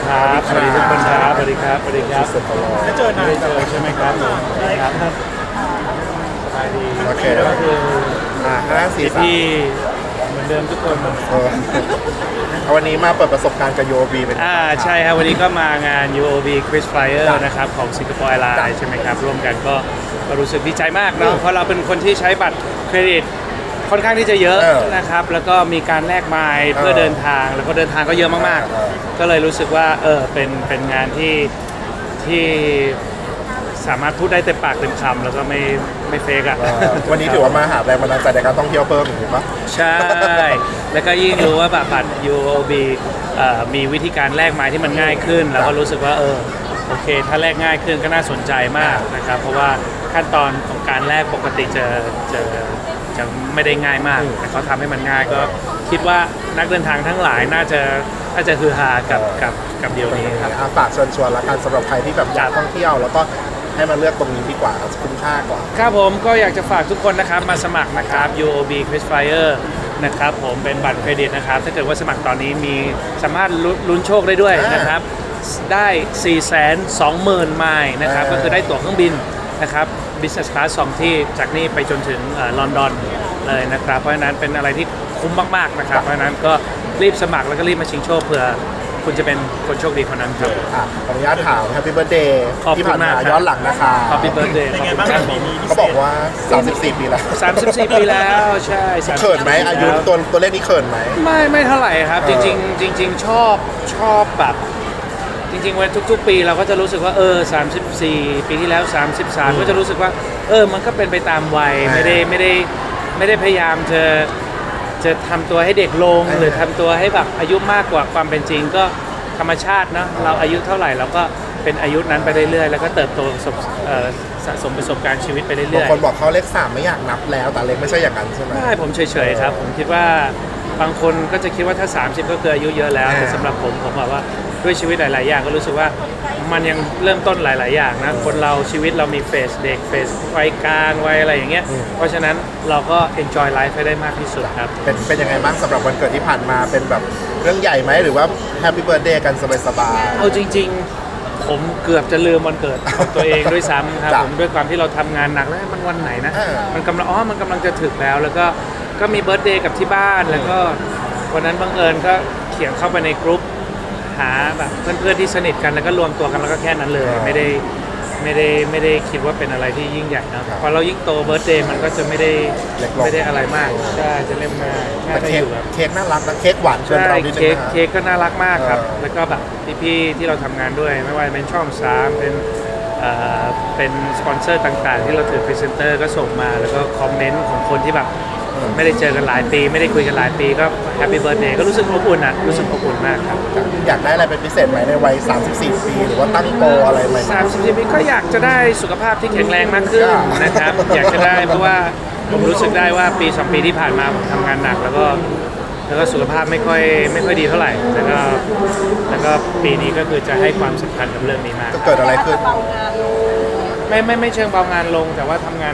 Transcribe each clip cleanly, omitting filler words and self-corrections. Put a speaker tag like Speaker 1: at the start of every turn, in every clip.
Speaker 1: ครับสวัสดีทุกคนครับสวัสดีครับสวัสดีครับ
Speaker 2: สุดตลอด
Speaker 3: จะเจอหน้า
Speaker 1: ไม่ได้เจอใช่ไหมครับสวัสดีครับสบายดี
Speaker 2: โอเค
Speaker 1: ก็คือ
Speaker 2: 5 4 3
Speaker 1: พี่เหมือนเดิมทุกคน
Speaker 2: วันนี้มาเปิดประสบการณ์กับโยบีเป็น
Speaker 1: ใช่ครับวันนี้ก็มางาน UOB Quiz Flyer นะครับของ Singapore Airlines ใช่ไหมครับร่วมกันก็รู้สึกดีใจมากเนาะเพราะเราเป็นคนที่ใช้บัตรเครดิตค่อนข้างที่จะเยอะนะครับแล้วก็มีการแลกไมล์เพื่อเดินทางแล้วก็เดินทางก็เยอะมากๆก็เลยรู้สึกว่าเป็นงานที่สามารถพูดได้เต็มปากเต็มคำแล้วก็ไม่เฟกอ่ะ
Speaker 2: วันนี้ถือว่ามาหาแรงบันดาลใจในการท่องเที่ยวเพิ่มอย่างนี้ปะ
Speaker 1: ใช่ แล้วก็ยิ่งรู้ว่าบัตร UOB มีวิธีการแลกไม้ที่มันง่ายขึ้น แล้วก็รู้สึกว่าโอเค ถ้าแลกง่ายขึ้นก็น่าสนใจมากนะครับ เพราะว่าขั้นตอนของการแลกปกติจะไม่ได้ง่ายมาก แต่เขาทำให้มันง่ายก็คิดว่านักเดินทางทั้งหลายน่าจะฮือฮากับเดียวนี้ครับ
Speaker 2: ฝากเชิญชวนละกันสำหรับใครที่แบบอยากท่องเที่ยว แล้วก็ให้มาเลือกตรงนี้ดีกว่าคุ้มค่ากว่า
Speaker 1: ครับผมก็อยากจะฝากทุกคนนะครับมาสมัครนะครับ UOB Quiz Flyer นะครับผมเป็นบัตรเครดิตนะครับถ้าเกิดว่าสมัครตอนนี้มีสามารถลุ้นโชคได้ด้วยนะครับได้ 420,000 ไมล์นะครับก็คือได้ตั๋วเครื่องบินนะครับ Business Class 2 ที่จากนี่ไปจนถึงลอนดอนเลยนะครับเพราะฉะนั้นเป็นอะไรที่คุ้มมากๆนะครับเพราะฉะนั้นก็รีบสมัครแล้วก็รีบมาชิงโชคเผื่อคุณจะเป็นคนโชคดีคนนั้นครับ
Speaker 2: ขออนุญาตถาม Happy Birthday
Speaker 1: ขอบคุณ
Speaker 2: ที่ผ่านมาม
Speaker 1: ากครับ
Speaker 2: ย้อนหลังนะคะ
Speaker 1: Happy Birthday
Speaker 3: เป็นไงบ้างครับปีนี้พิ
Speaker 2: เขา
Speaker 3: เศ
Speaker 2: บอก
Speaker 3: ษ
Speaker 2: ว่า 34 ปีแล้ว
Speaker 1: 34 ปีแล้วใช่34
Speaker 2: เขินไหมอายุ
Speaker 1: แล้ว
Speaker 2: ตัวเลขนี้เขินไหม
Speaker 1: ไม่เท่าไหร่ครับจริงชอบแบบจริงๆวันทุกๆ ปีเราก็จะรู้สึกว่า34 ปีที่แล้ว 33 ก็จะรู้สึกว่ามันก็เป็นไปตามวัยไม่ได้พยายามจะทำตัวให้เด็กลงหรือทำตัวให้แบบอายุมากกว่าความเป็นจริงก็ธรรมชาติเนาะเราอายุเท่าไหร่เราก็เป็นอายุนั้นไปเรื่อยๆแล้วก็เติบโตสะสมประสบการณ์ชีวิตไปเรื่
Speaker 2: บาง
Speaker 1: อย
Speaker 2: คนบอกเขาเลข3ไม่อยากนับแล้วแต่เลขไม่ใช่อย่างนั้นใช่ไหม
Speaker 1: ๆไม่ผมเฉยๆครับผมคิดว่าบางคนก็จะคิดว่าถ้า 30 ก็คืออายุเยอะแล้วแต่สำหรับผมบอกว่าด้วยชีวิตหลายๆอย่างก็รู้สึกว่ามันยังเริ่มต้นหลายๆอย่างนะคนเราชีวิตเรามีเฟสเด็กเฟสวัยกลางวัยอะไรอย่างเงี้ยเพราะฉะนั้นเราก็ enjoy life ให้ได้มากที่สุดครับ
Speaker 2: เป็นยังไงบ้างสำหรับวันเกิดที่ผ่านมาเป็นแบบเรื่องใหญ่ไหมหรือว่า Happy Birthday กันสบาย
Speaker 1: เอาจริงๆผมเกือบจะลืมวันเกิดของตัวเองด้วยซ้ำครับ
Speaker 2: จ้ะ
Speaker 1: ผมด้วยความที่เราทำงานหนักแล้วมันวันไหนนะ
Speaker 2: เออ
Speaker 1: มันกำลังจะถึงแล้วก็มีเบิร์ธเดย์กับที่บ้านแล้วก็วันนั้นบังเอิญก็เขียนเข้าไปในกลุ่มหาแบบเพื่อนๆที่สนิทกันแล้วก็รวมตัวกันแล้วก็แค่นั้นเลยไม่ได้คิดว่าเป็นอะไรที่ยิ่งใหญ่นะพอเรายิ่งโตเบิร์ธเดย์มันก็จะไม่ได้อะไรมากใช่จะเล่นง่าย
Speaker 2: ๆ
Speaker 1: ง่าย
Speaker 2: แต่
Speaker 1: ไปอยู่ครับ
Speaker 2: เค้กน่ารักนะเค้กหวานเกิน
Speaker 1: ใช่
Speaker 2: เรานิดนึง
Speaker 1: เค้ก
Speaker 2: นะ
Speaker 1: เค้กก็น่ารักมากครับ
Speaker 2: เออ
Speaker 1: แล้วก็แบบพี่ๆที่เราทำงานด้วยไม่ว่าจะเป็นช่อง3เป็นสปอนเซอร์ต่างๆ ที่เราถือพรีเซนเตอร์ก็ส่งมาแล้วก็คอมเมนต์ของคนที่แบบไม่ได้เจอกันหลายปี ไม่ได้คุยกันหลายปีก็แฮปปี้เบิร์ธเดย์ก็รู้สึกอบอุ่นอ่ะรู้สึกอบอุ่นมากครับ
Speaker 2: อยากได้อะไรเป็นพิเศษไหมในวัย 34 ปี หรือว่าตั้งโกอะไรไหม
Speaker 1: 30 ปีก็อยากจะได้สุขภาพที่แข็งแรงมากขึ้นนะครับ อยากจะได้เพราะว่าผมรู้สึกได้ว่าปี 2 ปีที่ผ่านมาผมทำงานหนักแล้วก็สุขภาพไม่ค่อยดีเท่าไหร่แล้วก็ปีนี้ก็คือจะให้ความสำคัญกับเรื่องนี้มาก
Speaker 2: จะเกิดอะไรขึ้น
Speaker 1: ไม่เชิงเบางานลงแต่ว่าทำงาน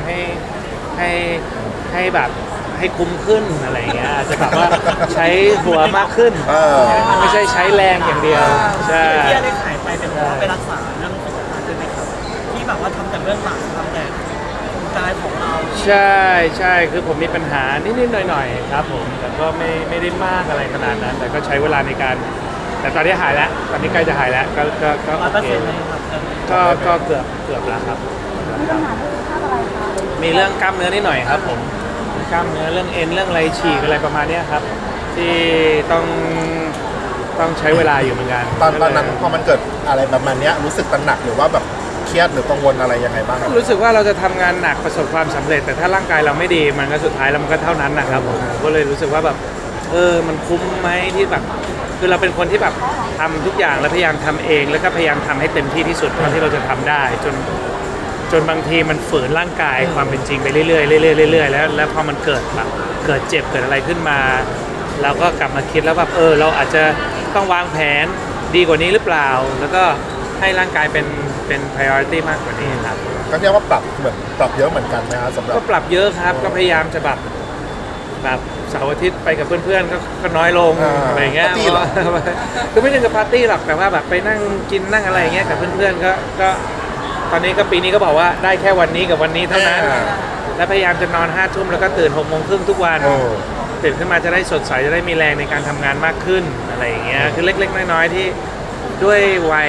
Speaker 1: ให้แบบให้คุ้มขึ้นอะไรอย่างเงี้ยอาจจะแบบว่าใช้หัวมากขึ้น ไม่ใช่ใช้แรงอย่างเดียวใช่
Speaker 3: ที่ได้ขายไปเป็นเพราะว่าไปรักษาเรื่องสุขภาพใช่ไหมครับที่แบบว่าทำแต่เรื่องหลังทำแต่กายของเรา
Speaker 1: ใช่คือผมมีปัญหานิดๆหน่อยๆครับผมแต่ก็ไม่ได้มากอะไรขนาดนั้น แต่ก็ใช้เวลาในการแต่ตอนนี้หายแล้วตอนนี้ใกล้จะหายแล้วก็โอเค
Speaker 3: 100%เลยครับ
Speaker 1: ก็เกือบแล้วครับ
Speaker 4: มีปัญหาเรื่องสุขภาพอะไรคะ
Speaker 1: มีเรื่องกล้ามเนื้อนิดหน่อยครับผมกล้ามเนื้อเรื่องเอ็นเรื่องอะไรฉีกอะไรประมาณเนี้ยครับ ที่ต้องใช้เวลาอยู่เหมือนกัน
Speaker 2: ตอนนั้นพอมันเกิดอะไรประมาณเนี้ยรู้สึกตระหนักหรือว่าแบบเครียดหรือกังวลอะไรยังไงบ้างครับ
Speaker 1: รู้สึกว่าเราจะทำงานหนักประสบความสำเร็จ แต่ถ้าร่างกายเราไม่ดีมันก็สุดท้ายแล้วมันก็เท่านั้นนะครับผมก็เลยรู้สึกว่าแบบมันคุ้มไหมที่แบบคือเราเป็นคนที่แบบทำทุกอย่างแล้วพยายามทำเองแล้วก็พยายามทำให้เต็มที่ที่สุดเท่าที่เราจะทำได้จนบางทีมันฝืนร่างกายความเป็นจริงไปเรื่อยๆเรื่อยๆแล้วพอมันเกิดแบบเกิดเจ็บเกิดอะไรขึ้นมาเราก็กลับมาคิดแล้วแบบเราอาจจะต้องวางแผนดีกว่านี้หรือเปล่า แล้วก็ให้ร่างกายเป็น priority มากกว่านี้ครับ
Speaker 2: ก็เรียกว่าปรับเยอะเหมือนกันนะครับสำหรับ
Speaker 1: ก็ปรับเยอะครับก็พยายามจะแบบเสาร์อาทิตย์ไปกับเพื่อนๆก็น้อยลง
Speaker 2: อ่า
Speaker 1: อะไรเงี้ย
Speaker 2: ปาร์ตี้เหรอ
Speaker 1: คือไม่ใช่กับปาร์ตี้หรอกแต่ว่าแบบไปนั่งกินนั่งอะไรเงี้ยกับเพื่อนๆก็ตอนนี้ก็ปีนี้ก็บอกว่าได้แค่วันนี้กับวันนี้เท่านั้น และพยายามจะนอน5 ทุ่มแล้วก็ตื่น6 โมงครึ่งทุกวัน
Speaker 2: โอ้
Speaker 1: ตื่นขึ้นมาจะได้สดใสจะได้มีแรงในการทำงานมากขึ้นอะไรอย่างเงี้ยคือเล็กๆน้อยๆที่ด้วยวัย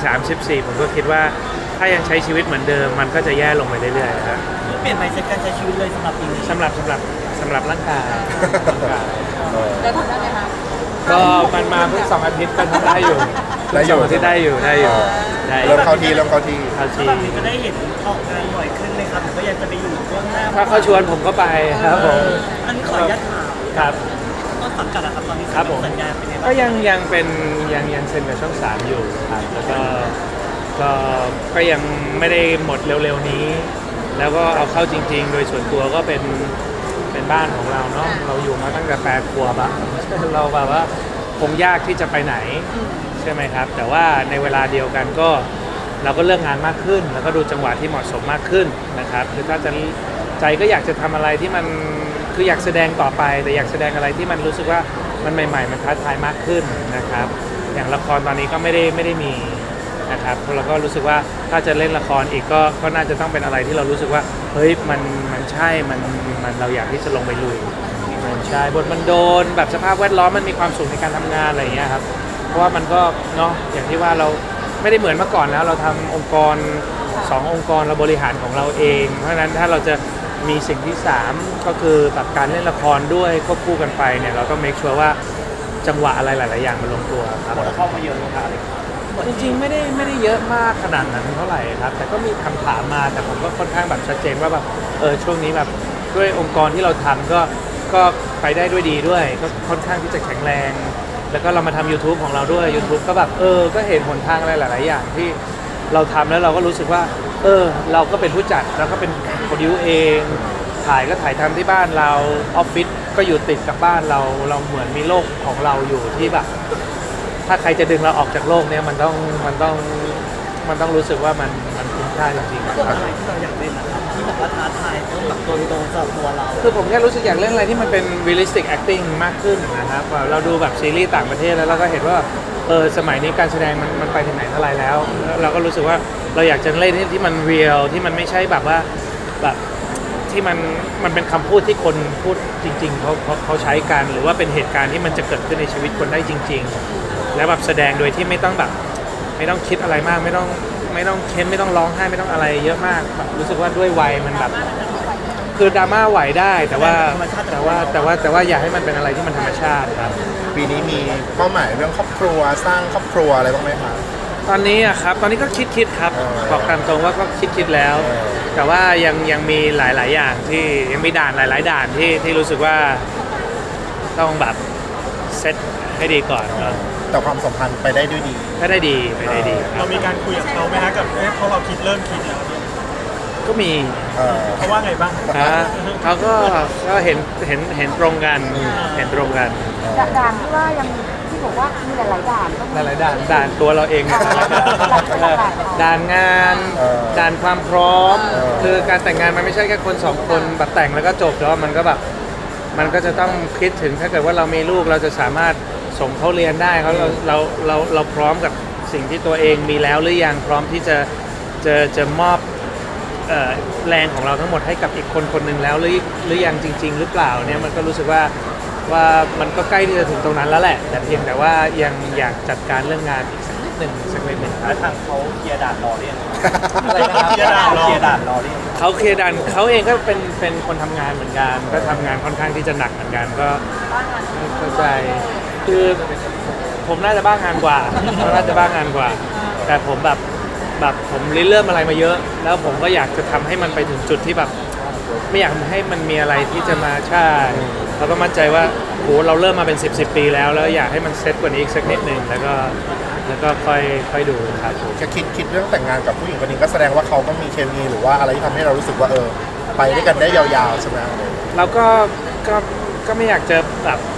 Speaker 1: 34ผมก็คิดว่าถ้ายังใช้ชีวิตเหมือนเดิมมันก็จะแย่ลงไปเรื่อยๆครับ
Speaker 3: เปลี่ยนไปเซ็ตการใช้ชีวิตเลยสำหรับปีนี้
Speaker 1: สำหรับร่างกาย
Speaker 4: เดี๋ยวทำได้ไหมคะ
Speaker 1: ก็มันมาเพิ่ง2 อาทิตย์ก็ทำได้อยู่
Speaker 2: ได้อยู่
Speaker 1: 2 อาทิตย์ได้อยู่ได้อยู่ได้อ
Speaker 2: เริ่
Speaker 1: ยู่
Speaker 2: มเข้าที่เริ่มเข้าที่
Speaker 1: เข้า
Speaker 3: แล้ว
Speaker 1: ที
Speaker 3: แบบนี้จะได้เห็นออกงานบ่อยขึ้นไหมครับหรือว่ายังจะไปอยู่เบื้องหน้า
Speaker 1: ถ้าเขาชวนผมก็ไปครับผม
Speaker 3: อันนี้ขออนุญาตถาม
Speaker 1: ครับ
Speaker 3: ต้นสังกัดอะครับตอนนี้
Speaker 1: ครับผม
Speaker 3: สัญญาเป็นยังไง
Speaker 1: ก็
Speaker 3: บ้าง
Speaker 1: ยังเป็นยังเซ็นกับช่อง 3อยู่ครับแล้วก็ยังไม่ได้หมดเร็วๆนี้ แล้วก็เอาเข้าจริง ๆ โดยส่วนตัวก็เป็นบ้านของเราเนาะเราอยู่มาตั้งแต่8 ขวบอะ เราแบบว่าคงยากที่จะไปไหนใช่ไหมครับ แต่ว่าในเวลาเดียวกันก็เราก็เลือกงานมากขึ้น แล้วก็ดูจังหวะที่เหมาะสมมากขึ้นนะครับคือถ้าจะใจก็อยากจะทำอะไรที่มันคืออยากแสดงต่อไป แต่อยากแสดงอะไรที่มันรู้สึกว่ามันใหม่ๆมันท้าทายมากขึ้นนะครับ อย่างละครตอนนี้ก็ไม่ได้มีนะครับเราก็รู้สึกว่าถ้าจะเล่นละครอีกก็น่าจะต้องเป็นอะไรที่เรารู้สึกว่าเฮ้ยมันใช่มันเราอยากที่จะลงไปลุยมันใช่บทมันโดนแบบสภาพแวดล้อมมันมีความสุขในการทำงานอะไรอย่างเงี้ยครับเพราะว่ามันก็เนาะอย่างที่ว่าเราไม่ได้เหมือนเมื่อก่อนแล้วเราทำองค์กร2 องค์กรเราบริหารของเราเอง เพราะฉะนั้นถ้าเราจะมีสิ่งที่3ก็คือแบบการเล่นละครด้วยควบคู่กันไปเนี่ยเราต้อง make sure ว่าจังหวะอะไรหลายๆอย่างมันลงตัวครับ
Speaker 3: เข้ามาเยอะเลยครับ
Speaker 1: จริงๆไม่ได้เยอะมากขนาดนั้นเท่าไหร่ครับ แต่ก็มีคำถามมาแต่ผมก็ค่อนข้างแบบชัดเจนว่าแบบช่วงนี้แบบด้วยองค์กรที่เราทำก็ไปได้ด้วยดีด้วย ก็ค่อนข้างที่จะแข็งแรง แล้วก็เรามาทำ YouTube ของเราด้วย YouTube ก็แบบก็เห็นหนทางอะไรหลายๆอย่างที่เราทำแล้วเราก็รู้สึกว่าเราก็เป็นผู้จัดเราก็เป็นโปรดิวเองถ่ายก็ถ่ายทำที่บ้านเราออฟฟิศก็อยู่ติดกับบ้านเราเหมือนมีโลกของเราอยู่ที่แบบ ถ้าใครจะดึงเราออกจากโลกเนี้ยมันต้องรู้สึกว่ามันคุ้มค่าจริง
Speaker 3: ตัวอะไรที่เราอยากเล่นนะครับที่แบบว่าท้าทายต้องแบบตัวตรงสำหรับตัวเรา
Speaker 1: ๆคือผมแค่รู้สึกอยากเล่นอะไรที่มันเป็น realistic acting มากขึ้นนะครับเราดูแบบซีรีส์ต่างประเทศแล้วเราก็เห็นว่าสมัยนี้การแสดงมันไปถึงไหนเท่าไหร่แล้วเราก็รู้สึกว่าเราอยากจะเล่นที่มัน real ที่มันไม่ใช่แบบว่าแบบที่มันเป็นคำพูดที่คนพูดจริงๆเขาใช้กันหรือว่าเป็นเหตุการณ์ที่มันจะเกิดขึ้นในชีวิตคนได้จริง ๆ แล้วแบบแสดงโดยที่ไม่ต้องแบบไม่ต้องคิดอะไรมากไม่ต้องเค้นไม่ต้องร้องไห้ไม่ต้องอะไรเยอะมากแบบรู้สึกว่าด้วยวัยมันแบบคือดราม่าไหวได้แต่ว่าอยากให้มันเป็นอะไรที่มันธรรมชาติครับ
Speaker 2: ปีนี้มีเป้าหมายเรื่องครอบครัวสร้างครอบครัวอะไรบ้างไหมคะ
Speaker 1: ตอนนี้อะครับตอนนี้ก็คิดครับ บอกตามตรงว่าก็คิดแล้ว แต่ว่ายังมีหลายๆอย่างที่ยังมีด่านหลายๆด่านที่รู้สึกว่าต้องแบบเซตให้ดีก่อนครับ
Speaker 2: แต่ความสัมพันธ์ไปได้ด้วยดี
Speaker 1: ถ้าได้ดีไปได้ดีครั
Speaker 5: เรา
Speaker 1: บ
Speaker 5: มีการคุยกับเขาไหมฮะกับเพราะเราเริ่มคิดแล้วเนี่ย
Speaker 1: ก็มี
Speaker 5: เขาว่าไงบ้าง
Speaker 1: เขาก็เห็นตรงกันเห็นตรงกัน
Speaker 4: ด่านที่ว่ายังที่บอกว่ามีหลายๆด่านก็มี
Speaker 1: หลายๆด่านตัวเราเองด่านงานด่านความพร้อมคือการแต่งงานมันไม่ใช่แค่คนสองคนแบบแต่งแล้วก็จบแล้วมันก็แบบมันก็จะต้องคิดถึงถ้าเกิดว่าเรามีลูกเราจะสามารถส่งเขาเรียนได้เราพร้อมกับสิ่งที่ตัวเองมีแล้วหรือยังพร้อมที่จะมอบแรงของเราทั้งหมดให้กับอีกคนหนึ่งแล้วหรือยังจริง ๆ หรือเปล่าเนี่ยมันก็รู้สึกว่ามันก็ใกล้ที่จะถึงตรงนั้นแล้วแหละแต่เพียงแต่ว่ายังอยากจัดการเรื่องงานอีกสักนิดหนึ่งครับ
Speaker 3: ทางเขาเคลียร์ด่านรอเรียน
Speaker 1: อะไรนะครับ
Speaker 5: เคลียร์ด่านรอ
Speaker 3: เคลียร์ด่านรอเรียน
Speaker 1: เขาเคลียร์ดันเขาเองก็เป็นคนทำงานเหมือนกันก็ทำงานค่อนข้างที่จะหนักเหมือนกันก็เข้าใจคือผมน่าจะบ้างานกว่าแต่ผมแบบผมเริ่มอะไรมาเยอะ แล้วผมก็อยากจะทำให้มันไปถึงจุดที่แบบไม่อยากให้มันมีอะไรที่จะมาใช่เราก็มั่นใจว่าโหเราเริ่มมาเป็น10 ปีแล้วอยากให้มันเซ็ตกว่านี้อีกสักนิดหนึ่งแล้วก็ค่อยดูครับ
Speaker 2: แค่คิดเรื่องแต่งงานกับผู้หญิงคนนี้ก็แสดงว่าเขาก็มีเคมีหรือว่าอะไรที่ทำให้เรารู้สึกว่าไปด้วยกันได้ยาวๆใช่ไหม
Speaker 1: เราก็ไม่อยากจะแบบ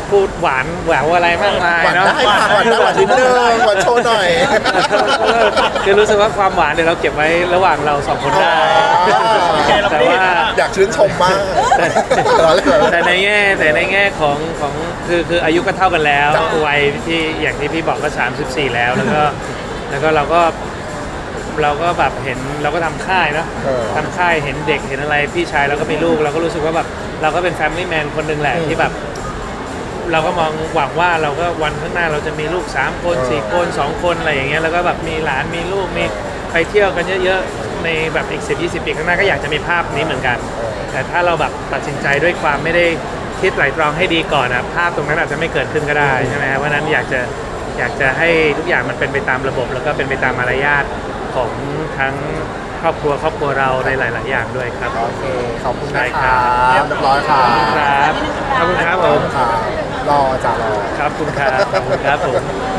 Speaker 1: พูดหวานแหววอะไรมากมาย
Speaker 2: หวาน
Speaker 1: เนาะ
Speaker 2: ได้ค่ะหวานได้หวานนิดนึงหวานโชว์หน่อย
Speaker 1: คือรู้สึกว่าความหวานเดี๋ยวเราเก็บไว้ระหว่างเราสองคนได้ แต่ว่า
Speaker 2: อยากชื่นชมมาก
Speaker 1: แต่ในแง่ของคืออายุก็เท่ากันแล้ว
Speaker 2: จ้ะ
Speaker 1: วัยที่อย่างที่พี่บอกก็34แล้วแล้วก็เราก็แบบเห็นเราก็ทำค่ายเนาะ ทำค่ายเห็นเด็กเห็นอะไรพี่ชายเราก็มีลูกเราก็รู้สึกว่าแบบเราก็เป็นแฟมิลี่แมนคนหนึ่งแหละที่แบบ เราก็มองหวังว่าเราก็วันข้างหน้าเราจะมีลูก3คน4คน2คนอะไรอย่างเงี้ยแล้วก็แบบมีหลานมีลูกมีไปเที่ยวกันเยอะๆในแบบอีก10-20 ปีข้างหน้าก็อยากจะมีภาพนี้เหมือนกัน แต่ถ้าเราแบบตัดสินใจด้วยความไม่ได้คิดไตร่ตรองให้ดีก่อนนะภาพตรงนั้นอาจจะไม่เกิดขึ้นก็ได้ใช่ไหมครับเพราะฉะนั้นอยากจะให้ทุกอย่างมันเป็นไปตามระบบ แล้วก็เป็นไปตามมารยาทของทั้งครอบครัวเราในหลาย ๆ อย่างด้วยครับ
Speaker 2: โอเค ขอบคุณ
Speaker 1: ได้
Speaker 2: นะ
Speaker 1: ค
Speaker 2: ค
Speaker 1: รั
Speaker 2: รับ เรียบร้อยค่ะ
Speaker 1: ครับขอบคุณครับผม
Speaker 2: ค่ะรอจ้ารอ
Speaker 1: ครับคุณครับขอบคุณครับผม